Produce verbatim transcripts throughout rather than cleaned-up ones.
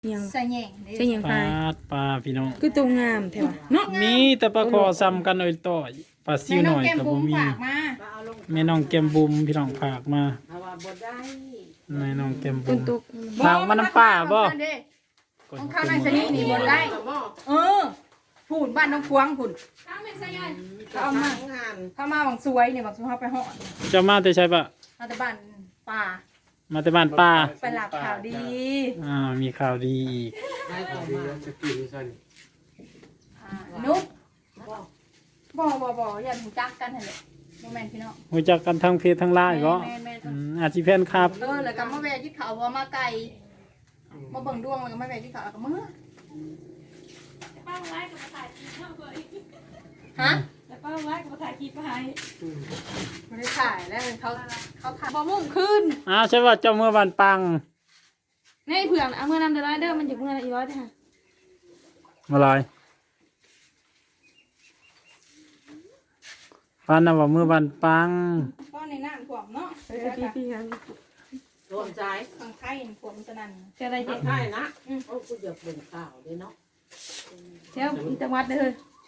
ยังใส่แหย่งใช่ยังปไงลาปลาพี่น้องคือตัวงามแท้ว่ะเนาะมีแต่ปลาคอซ้ำกันหน่อยต่อยปลาซิวหน่อยแม่กับบุ้บ่มมีฝากมาแม่น้องแก้มบุมพี่น้องฝากมาเอาว่าบ่ได้แม่น้องแก้มตับุวมตุกฝากมาน้ำป้าบ่ต้องเข้าในสนิทนี่บนได้ เออผุ่นบ้านน้องควงผุ่นเข้ามาใส่ยันเขาเอามางานเข้ามาบางสวยเนี่ยบางสวยเขาไปห่อเจะมาแต่ใช่ปะมาแต่บ้านป่ามาแต่บ้านป้าไปหลับข่าวดีอ่ามีข่าวดีอีกได้ต่อมาจะกินซั่นอ่านุ๊กบ่บ่บ่อย่าถูกจักกันหั่นแหละโมเมนต์พี่น้องรู้จักกันทั้งเพจทั้งไลน์บ่แม่แม่แม่อืมอาชีพแฟนครับเออแล้วก็มาแวะที่เขาว่ามาไกลมาเบิ่งดวงแล้วก็มาแวะที่เขาแล้วก็เมื่อป้าไว้กับมาถ่ายคลิปเท่าเลยฮะแต่ป้าไว้กับมาถ่ายคลิปให้ไม่ได้ถ่ายแล้วเขาเขาถ่ายบ่มุ่งขึ้นอ้าวใช่ว่าเจ้าเมื่อวันปังนี่เผื่อเอาเมื่อนำเดือดร้อยเด้อมันจะเมื่ออีร้อยเด้อค่ะมาลอยปันน่ะว่าเมื่อวันปังก็ในน้ำท่วมเนาะเออพี่พี่ครับรวมใจทางไข่ท่วมสนั่นจะอะไรเจ๊ใช่นะโอ้กูอยากเป็นข่าวเลยเนาะเจ้าจังหวัดเด้อ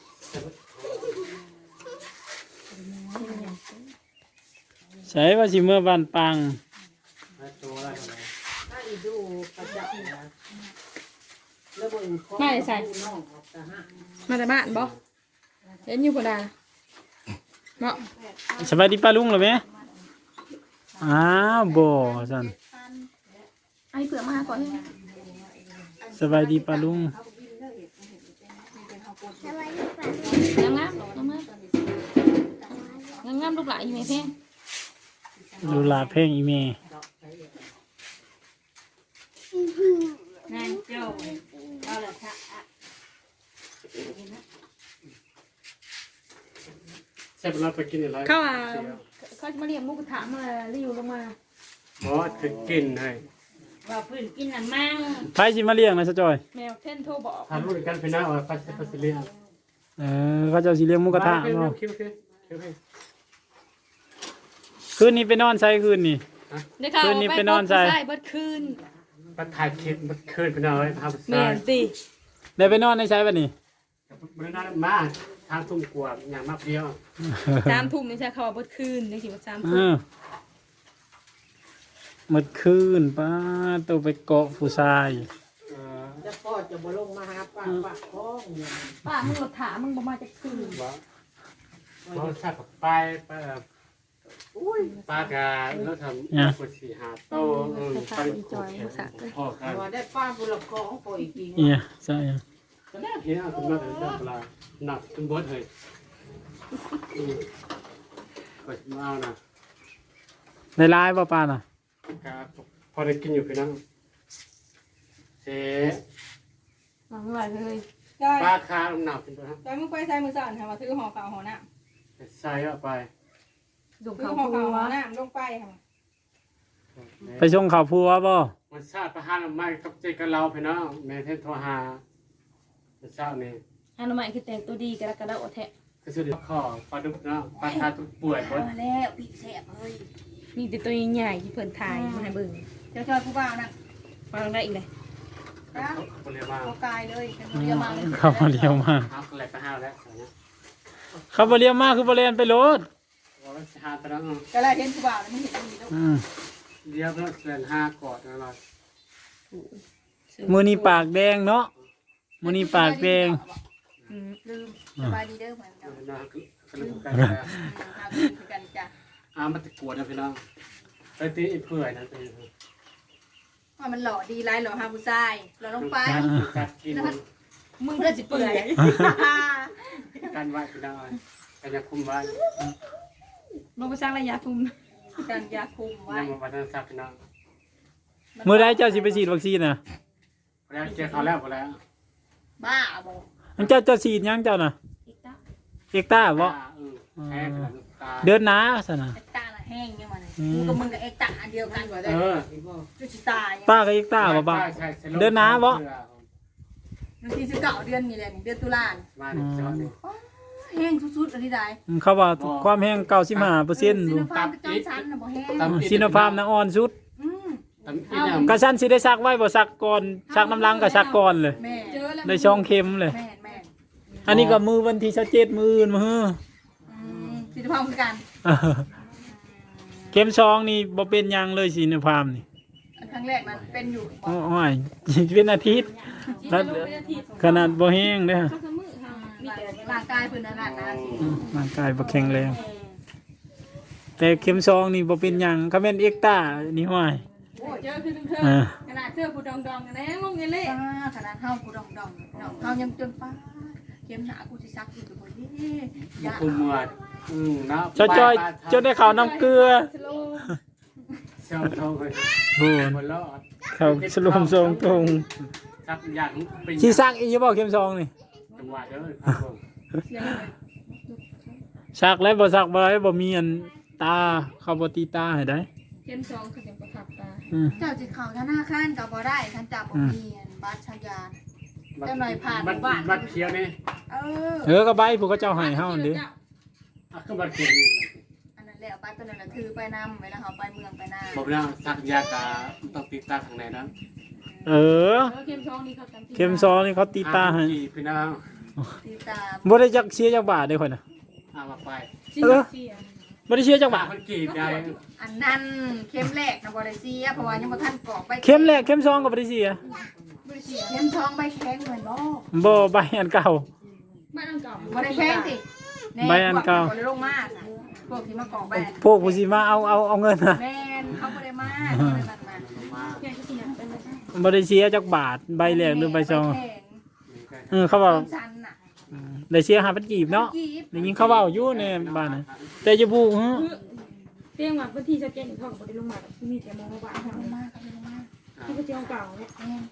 ใช่ว่าสิเมื่อวันปังให้ตัวได้เท่าไหร่ถ้าอีดูประจักษ์นะแล้วบ่นของน้องออกตาฮะมาแต่บ้านบ่เห็นอยู่บ่ได้เนาะสบายดีป้าลุงเหรอแม่อ้าวบ่ซั่นไอ้เผื่อมาก่อนสบายดีป้าลุงงามงามงามงามงามลูกหลานอยู่ไหมเพ่งดูลาเพลงอีเมนายเจ้าเอาละค่ะใช่เวลาไปกินอะไรเขาอ่ะเขาจะมาเรียกมุกถามมารีวิวลงมาบ่คือกินให้ว่าพื้นกินอันมั่งไผสิมาเลี้ยงนะซะจอยแมวเท่นโทรบอกทานรู้กันไปนะว่าปัสสปัสเลียเออเขาเจ้าสิเลี้ยงหมูกระทะคิวเนาะคิวคิวคิวให้คืนนี้ไปนอนใส่คืนนี้ได้ข่าวคืนนี้ไปนอนใส่ใส่เบิดคืนปัดถ่ายคลิปมันคืนไปหน่อยพาไปแม่ใส่นสิได้ไปนอนในใช้บัดนี้มันนั่นมาทางทุ่มกว่าอย่างมากเดียวสามทุ่มนี่ใช่เขาว่าเบิดคืนนี่สิว่าสามเอทุ่มอหมดคืนป้าตัวไปเกาะผู้ชายเออจะพ่อจะบ่ลงมาหาป้าป้าท้องเนี่ยป้ามึงรถถามมึงบ่มาจากคืนบ่บ่ทราบกับไปไปอุ้ยปากาแล้วทำกดสี่หาโตเออไปพ่อกันว่าได้ป้าบุรกองปล่อยจริงเนี่ยใช่ก็ได้เห็นเอาคุณมาถึงเวลาหนักจนบดเลยก็มาเอานะในไลน์ป่ะป้าน่ะครับพอได้กินอยู่พี่น้องเจ๊มาเมื่อไหร่เลยจอยปลาคาหนักเป็นตัวครับจอยมึงไปใส่มือสั่นค่ะมาถือห่อขาวห่อน้ใส่เข้าไปส่งำถือข่าวห่อพัขาววห่อน้ำลงไปค่ะไปชงข่าวพัวบ่มันชาติประหารไม่กับเจกันเราพี่น้องแม่เทนโทรหามันเช้านี่อันนั้นใหม่คือแต่งตัวดีกระกระดาษแทะก็สุดข้อปลาดุกเนาะปลาคาตุกป่วยบดมาแล้วปีกแสบเฮ้ยมีแต่ตัวใหญ่ๆที่เพิ่นถ่ายมาให้เบิ่งเจ้าจอยผู้บ่าวนะมาลองได้อีกเลยนะคนเรียกมาเขากายเลยกันเรียมาเลยเขาบ่เลี้ยวมาเอาอะไรไปห้าวแล้วเนี่ยเขาบ่เลี้ยวมาคือบ่เล่นไปโลดว่ามันหาไปแล้วก็เลยเห็นผู้บ่าวแล้วไม่เห็นมีลูกอืมเดี๋ยวเพื่อนเดือนห้ากอดนะเรามื้อนี้ปากแดงเนาะมื้อนี้ปากแดงอืมลืมสบายดีเด้อเหมือนกันนะก็เลยกันแล้วทางนี้คือกันจ้ะอ่ามันตะกวดนะพี่น้องไปตีเพื่อยนะตีว่ามันหล่อดีไรหล่อฮาผู้ชายหล่อลงไปกัดกินมึงเพื่อสิเปื่อยกันไว้พี่น้องกันจะคุมไว้ลงไปสร้างระยะทุ่มกันยาคุมไว้ยังมาวันนั้นสักพี่น้องมื้อใดเจ้าสิไปฉีดวัคซีนน่ะแล้วเจอเขาแล้วพอแล้วบ้าบอกอันเจ้าเจ้าฉีดยังเจ้าน่ะอีกตาเอกต้าบ่แค่ตาเดือนหน้าซั่นน่ะเอ็กตาละแห้งยังไงมึงกับมึงกับเอ็กตาอันเดียวกันกว่าได้เออจุดสิตายป้ากับเอกต้าบ่บ่า เดือนหน้าบ่บางทีสิเก่าเดือนนี่แหละนี่เดือนตุลามาหนึ่งจอนี่แห้งสุดๆอันนี้ได้เขาว่าความแห้งเก้าสิบห้าเปอร์เซ็นต์ซิอยู่โนฟาร์มกับจอมซันนะบ่แห้งซิโนฟาร์มน่ะอ่อนสุดอืมทำอีหยังกระชั้นสิได้ซักไว้บ่ซักก่อนซักน้ำล้างก็ซักก่อนเลยแม่เจอแล้วได้ช่องเข็มเลยแม่แม่อันนี้ก็มือวันที่เจ็ดมืออื่นมืออืมสิทธิภาพคือกันเออเข็มช่องนี่บ่เป็นหยังเลยสิในความนี่อันครั้งแรกนั้นเป็นอยู่บ่โอ้ยเป็นอาทิตย์แล้วขนาดบ่แห้งเด้อข้าวมือค่ะมีแต่ร่างกายเพิ่นนั่นน่ะนะสิอืมร่างกายบ่แข็งแรงแต่เข็มช่องนี่บ่เป็นหยังก็แม่นเอ็กต้านี่ห้อยโอ้เจอคือเธอเออขนาดเธอผู้ดองดองกันนะงงเงี้ยเลยป้าขนาดเฮากูดองดองเนาะเฮายังจนป้าเข็มหนากูสิซักอยู่ตัวนี้ยาคุมวดอืมนะเจ้าจ้อยจนได้ข้าวน้ำเกลือสโลเจ้าทองไปโอ้ยหมดแล้วข้าวสลมทรงตรงซักอย่างเป็นสิซักอีกอยู่บ่เข็มช่องนี่จังหวะเด้อครับผมซักแล้วบ่ซักบ่ได้บ่มีอันตาเข้าบ่ตีตาให้ได้เข็มสองคือยังประทับตาอืมเจ้าสิเข้าธนาคารก็บ่ได้ท่านจับบ่มีอันบัตรชายา เจ้าหน่อยผ่านหมู่บ้านบัตรเขียวนี่เออเออก็ใบผู้เขาเจ้าให้เฮาเด้อ่ะก็บัตรเขียวนี่อันนั้นแหละบัตรตัวนั้นน่ะถือไปนำเวลาเฮาไปเมืองไปนาบอกนะซักยากาต้องติดตาข้างในนะเออเข็มสองนี่เขาจำเข็มซองนี่เขาตีตาให้กี่พี่น้องติดตามบ่ได้จักเสียจักบาทเด้คนน่ะเอามาไปเออบ่ได้เสียจักบาทมันกี่ได้อันนั้นเข็มแรกนะบ่ได้เสียเพราะว่ายังบ่ทันกรอกใบเข็มแรกเข็มซองก็บ่ได้เสียบ่ได้เสียเข็มทองใบแข็งเหมือนบ่บ่ใบอันเก่าบ้านอังเก่าบ่ได้แข็งติแใบอันเก่าพวบ่ได้ลงมาจ้ะพวกที่มากรอกใบพวกผู้สิมาเอาเอาเอาเงินน่ะแม่นเขาบ่ได้มาเขาบ่ได้นั่นน่ะมาแกก็สิอยากเป็นอะไรบ่ได้เสียจักบาทใบแรกหรือใบซองแข็งเออเขาว่าต้นชันน่ะได้เสียห้าพันกีบเนาะกีบได้ยินเขาเว้าอยู่ในบ้านน่ะแต่จะบูฮะเตียงว่าพื้นที่ชัดเจนเขาก็ได้ลงมาที่มีแต่มองมาบ้านลงมาครับลงมาที่เป็นเตียงเก่าเนี่ยแม่น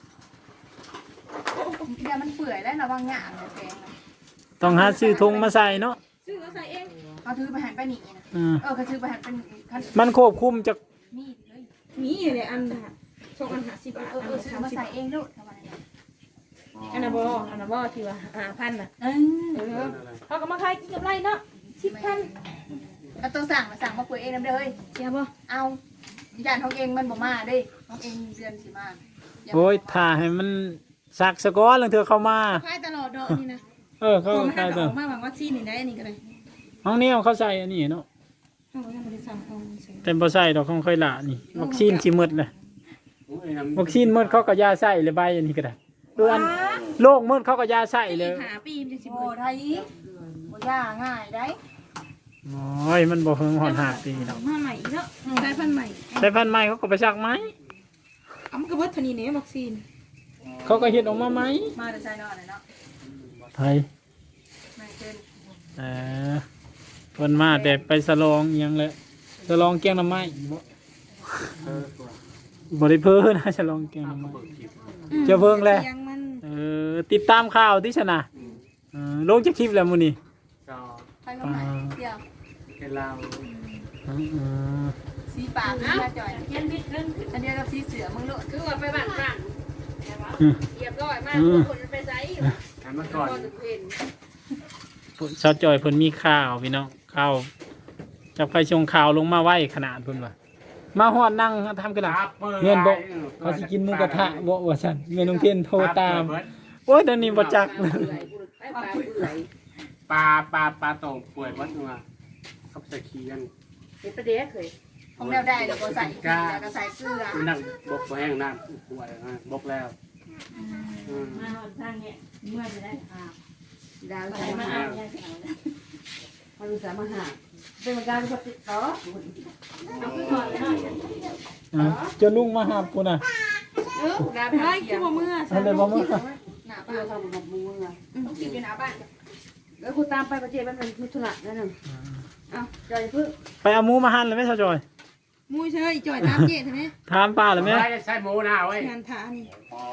เดี๋ยวมันเปื่อยแล้วระวังหยาบเนี่ยแข็งน่ะต้องหาซื้อธงมาใส่เนาะซื้อเอาใส่เองเขาถือไปหันไปหนีนะอืมเออเขาถือไปหันเป็นคันมันควบคุมจากมีดเลยมีเลยอันน่ะชกอันหาสิบบาทเอออันเออละซื้อสามมาสิบใส่เองลูกทำไมนะอันน่ะบ่อันน่ะบ่ที่ว่าห้าพันน่ะเออเออเขาก็มาขายกินกับไรเนาะสิบพันแล้วต้องสั่งมาสั่งมาปุ๋ยเองน้ำเด้อเฮ้ยเสียบ่เอาญาติของเองมันบ่มาเด้ของเองเดือนสิมาาโอ้ยถ้าให้มันสักสะก้อนลังเถื่อเข้ามาขายตลอดดอกนี่นะเออเขาพอมาใส่หาตัวออกมาหวังว่าซีนี่ได้อันนี้ก็ได้ห้องนี้เขาใส่อันนี้เนาะเขาก็ยังบ่ได้สั่งเอาใส่แต่บ่ใส่ดอกของค่อยละนี่วัคซีนสิหมดเลยโอ้ยน้ำวัคซีนหมดเขาก็ยาใส่เลยใบอันนี้ก็ได้ดูอันโรคหมดเขาก็ยาใส่เลยหาปีมันจะสิโอ้เบิดไทยบ่ย่าง่ายได้โอ้ยมันบ่เฮิงหอนหาปีดอกมาใหม่อีกเนาะสายพันธุ์ใหม่ใส่พันธุ์ใหม่เขาก็ไปซักไหมเอามันก็เบิดเท่านี้เนี่ยวัคซีนเขาก็เฮ็ดออกมาไหมมาแต่ใส่นอนเลยเนาะไทยไม่เกินเออเพิ่นมาแต่ไปสลองอิหยังเลยสลองแกงหน่อไม้บ่เออตัวบ่ได้เพิ่นนะสลองแกงหน่อไม้เบิกคลิปจะเบิ่งแลเสียงมันเออติดตามข่าวที่ชนะเออลงจากคลิปแล้วมื้อนี้ก็ไปมาใหม่เดี๋ยวเป็นเราเออเออสีปากสีจ่อยเขียนบิดเรื่องอันเดียวกับสีเสือมึงโลดคือว่าไปบ้านบ้านเรียบร้อยมากคนมันไปไสทำมาก่อนก็ถึงเห็นชาวจอยเพิ่นมีข่าวพี่น้องข่าวจับใครชงข่าวลงมาไว้ขนาดเพิ่นว่ามาฮอดนั่งทำกระดาษเงินบ่เขาสิกินหมูกระทะบ่ว่าซั่นแม่น้องเทียนโทรตามโอ้ยตอนนี้บ่จักเลยไปปลาเปื่อยปลาปลาปลาโต่งป่วยวัดมาขับใส่เคียนเป็นประเด็กเคยของแนวได้แล้วก็ใส่เกลือแล้วก็ใส่เกลือนั่งบกแห้งน้ำป่วยบกแล้วมาหอนทางเนี่ยเมื่อจะได้อ่าดาวไปใส่มามาเอาเนี่ยมาดูสามหาเป็นการกดติดต่อเอาขึ้นก่อนเลยหน่อยอ่ะจะลุงมาหาพุ่นน่ะเออดาบให้คือว่าเมื่ออันใดบ่มาหน้าเพื่บ้าอน ทำกับมือไงต้องกินอยู่หน้าบ้านแล้วคุณตามไปประเจมันเป็นทุระนั่นนึงเอาใจพึ่งไปเอาหมูมาหั่นเลยไหมชาวจอยมุ้ยเชยจ่อยตามเจ๊ใช่ไหมถามป้าเลยไหมไม่ใช่หมูนะเว้ยงานทานี่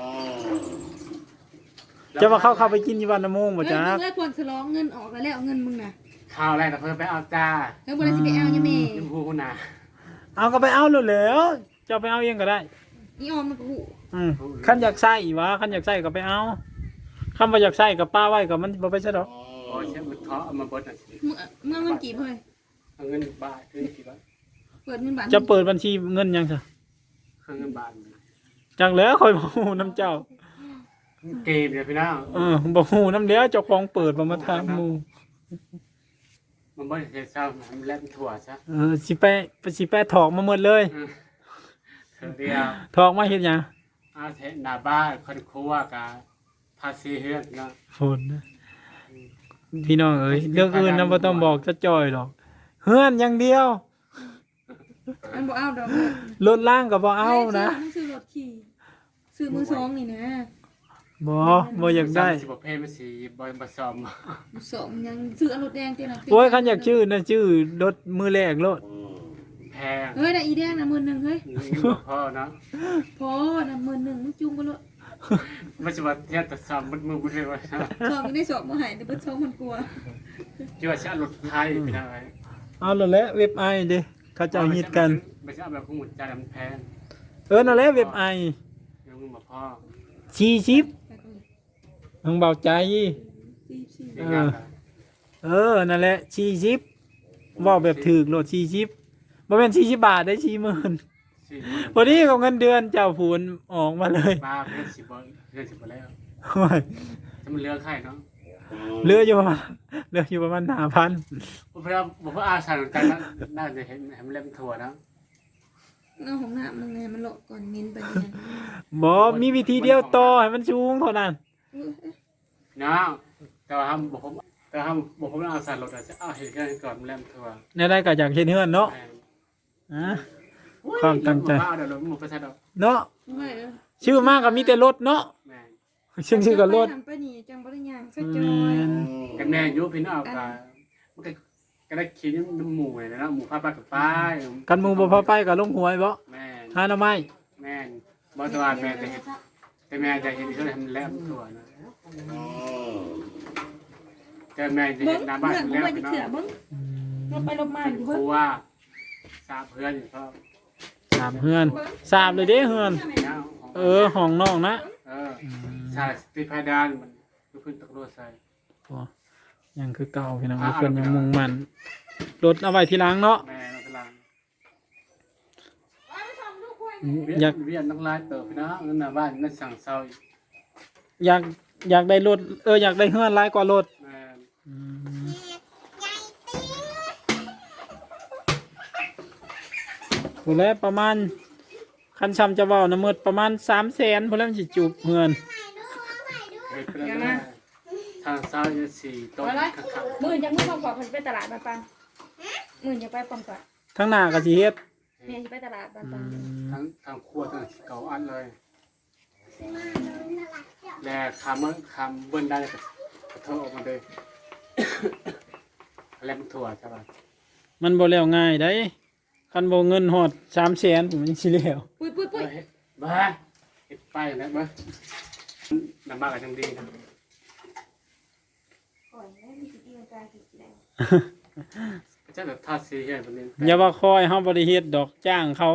จะว่าเขาเข้าไปกินอยู่วันละโมงบ่เฮ้ยจ๊ะมึงเลยควรสลองเงินออกแล้วแล้วเงินมึงน่ะข้าวแรกแต่เพิ่มไปเอาจ้าแล้วบริษัทไปเอายังไงชมพูนะเอาก็ไปเอาเลยแล้วจะไปเอาเองก็ได้อีออมมันก็หูอืมคันอยากใส่วะคันอยากใส่ก็ไปเอาคันบ่อยากใส่ก็ป้าไว้ก็มันบ่ไปซะดอกโอ้ยเช่นมันเทาะเอามาบดอ่ะเมื่อเมื่อเงินกี่เฮ้ยเอาเงินบาทคือกี่บาทเปิดเงินบาทจะเปิดบัญชีเงินยังซะรื่องเงินบาทจังแล้วคอยบ่ฮู้น้ำเจ้าเกมเนี่ยพี่น้องเออบ่ฮู้น้ำแล้วเจ้าของเปิดบ่มาถามหมู่มันบ่ได้เฮ็ดซ้ำมันแล่นถั่วซะเออสิไปสิไปถอกมาหมดเลยเธอเดียวถอกมาเฮ็ดหยังอาเทหน้าบ้านคนครัวกับภาษีเฮือนเนาะฝนนะพี่น้องเอ้ยเรื่องอื่นนำบ่ต้องบอกจะจ่อยหรอกเฮือนอย่างเดียวมันบ่เอาดอกรถล่างก็บ่เอานะซื้อรถขี่ซื้อมือสองนี่นะบ่บ่อยากได้สิบ่เพลมันสิบ่บ่ซ่อมสองยังซื้อรถแดงเต็มโอ้ยคันอยากชื่อนะชื่อรถมือแรกรถแพงเฮ้ยได้อีแดงนะหมื่นหนึ่งเฮ้ยบ่พอเนาะพอนะหมื่นหนึ่งมึงจุงกันเลยมันสิว่าเทียบแต่ซ่อมมันมือบ่ได้ว่าสองยังได้สอบมาหายแต่เพิ่นสองมันกลัวจิว่าสิเอารถไทยพี่น้องเอ้ยเอาแล้วแหละเว็บไอเด้เขาเจ้าฮิตกันไม่ใช่เอาแบบของหมุนใจมันแพงเออนั่นแหละเว็บไอยังมึงบ่พอสี่สิบมึงเบาใจสี่สี่เองอ่ะเออนั่นแหละสี่สิบเว้าแบบถูกโลดสี่สิบบ่แม่นสี่สิบบาทได้สี่หมื่นสิพอดีกับเงินเดือนเจ้าผูนออกมาเลยบ้าเพื่อนสิบ่เพื่อนสิบ่แล้วโอ้ยถ้ามันเหลือใครเนาะเหลืออยู่ประมาณเหลืออยู่ประมาณห้าพันบ่เพิ่นบ่เพิ่นอาสาเหมือนกันนะน่าจะเห็นให้มันเล่มถั่วนะเอาของหน้ามึงไงมันโลก่อนเงินไปเนี่ยบ่มีวิธีเดียวต่อให้มันสูงเท่านั้นเนาะแต่ว่าทำบ่ผมแต่ทำบ่ผมอาสารถอาจจะเอาเห็นกันก่อนมันเล่มถั่วในได้ก็อยากเฮ็ดเฮือนเนาะแม่นอ่ะ ความตั้งใจบ่เอาเดี๋ยวรถมันบ่ใช่ดอกเนาะไม่เออชื่อมากก็มีแต่รถเนาะแม่นชื่อชื่อก็รถไปนี่จังบ่ได้ย่างซะอืจอยมกันแม่อยู่พี่น้องก็มันก็ก็ได้ขี่น้ำหมูเลยนะหมูพาไปกับป้ายกันหมู่บ่พาไปก็ลงหวยบ่แม่นหาหน่อไม้แม่นบ่ตวาแม่จะเห็นแต่แม่จะเห็นเขาทำแล้วตัวนะแต่แม่จะเบิ่เห็งนหน้าบ้านเรื่องกูแล้วไปพี่จะน้องเถื่อเบิ่งลบไปลบมาอยู่คเบิ่งรูว่าทราบเพื่อนอยู่ครับสามเฮือนสามเลยเด้เฮือนนะเออห้องน้องนะเออใช่ติดไฟดานมันพื้นตะกั่วใส่โอ้ยังคือเก่าพี่น้องเพิ่นยังมุ่งมั่นรถเอาไว้ทีหลังเนาะแม่เรากำลังอยากเวียนน้ำลายเติบพี่น้องนั่นน่ะบ้านนั่นสั่งเศร้าอยากอยากได้รถเอออยากได้เฮือนหลายกว่ารถแม่อืมผู้แลประมาณคันชำจะเว้านะหมดประมาณสามแสนพุ่นแล้วมันสิจูบเฮือนเฮ็ดเป็นอะไรทางเศร้าจะสี่ต้นข้างหมื่นจังมึงมาขอเพิ่นไปตลาดบ้านปังหมื่นจะไปปอมก่อนทั้งหน้าก็สิเฮ็ดแม่สิไปตลาดบ้านอืปังมๆทั้งทางครัวทั้งเก่าอันเลยและคำว่าคำเบิ้ลได้ก็กระเทาะออกมาเลยแล้วมันถั่วใช่ป่ะมันบ่แล้วง่ายได้คันบ่เงินฮอดสามแสนผมมันสิแล้วปุ้ยปุ้ยปุ้ยเฮ้ยบ้าเฮ็ดไปแล้วบ้าน้ำมากกับจังดีนะก่อนแม่มีสิกินกายสิกินได้เจ้าแบบทาสีเห็นแบบนี้อย่าว่าคอยเฮาบ่ได้เฮ็ดดอกจ้างเขา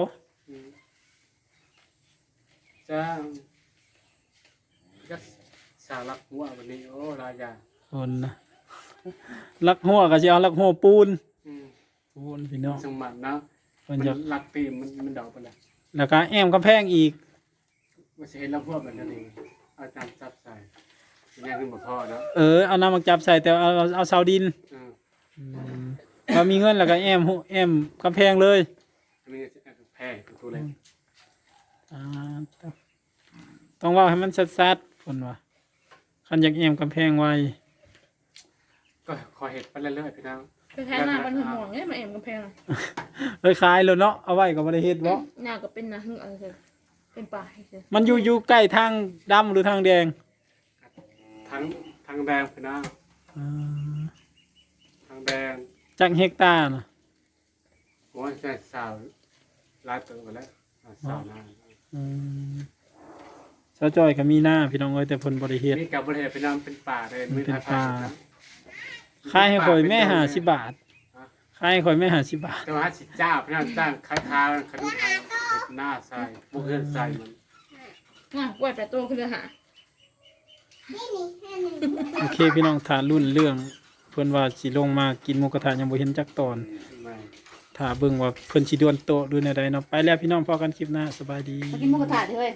จ้าก็สารักหัววันนี้โอ้รายาคนนะลักหัวก็สิเอาลักหัวปูนอืมปูนพี่น้องสมบัตินะเพิ่นมันจะรักตีมันมันเดาไปแล้วแล้วก็แอมกำแพงอีกมันจะเห็นรักหัวแบบนั้นเองเอาจารย์จับใส่ยังขึ้นมาพ่อแล้วเออเอาน้ำมาจับใส่แต่เอาเอาเอาเสาดินอืมพอมีเงินแล้วก็แอมหัวแอมกำแพงเลยอันนี้จะแพ้ตัวเล็กอ่าต้องเว่าให้มันชัดๆคนว่าคันอยากแอมกำแพงไว้ก็คอยเห็ดไปเรื่อยๆพี่น้องไปแท้หน้าบ้านหุ่นหมองเนี่ยมาแอมกำแพงอ่ะเลยขายแล้วเนาะเอาไว้ก็บ่ได้เฮ็ดบ่หน้าก็เป็นนาหึ่งอะไรเถอะเป็นป่าให้เถอะมันอยู่อยู่ใกล้ทางดำหรือทางแดงทั้งทั้งแดงพี่น้องอ่าทั้งแดงจักเฮกตาร์น่ะโอ้ยใช่สาวลายตัวไปแล้วสาวหน้าอืมสาวจอยก็มีหน้าพี่น้องเอ้ยแต่เพิ่นบ่ได้เฮ็ดนี่กับบริเวณพี่น้องเป็นป่าเลยไม่เป็นทาป่าทางขายให้ข่อยแม่ห้าสิบบาทขายให้ข่อยแม่ห้าสิบบาทแต่ว่าสิจ้าพี่น้องจ้างคาทางขนุนไทยเห็ดหน้าใส่บุกเฮือนใส่มันน่ะกล้วยแปดตัวคือหาโอเคพี่น้องถารุ่นเรื่องเพิ่นว่าสิลงมากินหมูกระทะยังบ่เห็นจักตอนไม่ถ้าเบิ่งว่าเพิ่นสิดวนโตะดูแนวใดเนาะไปแล้วพี่น้องพอกันคลิปหน้าสบายดีมากินหมูกระทะเถอะเฮ้ย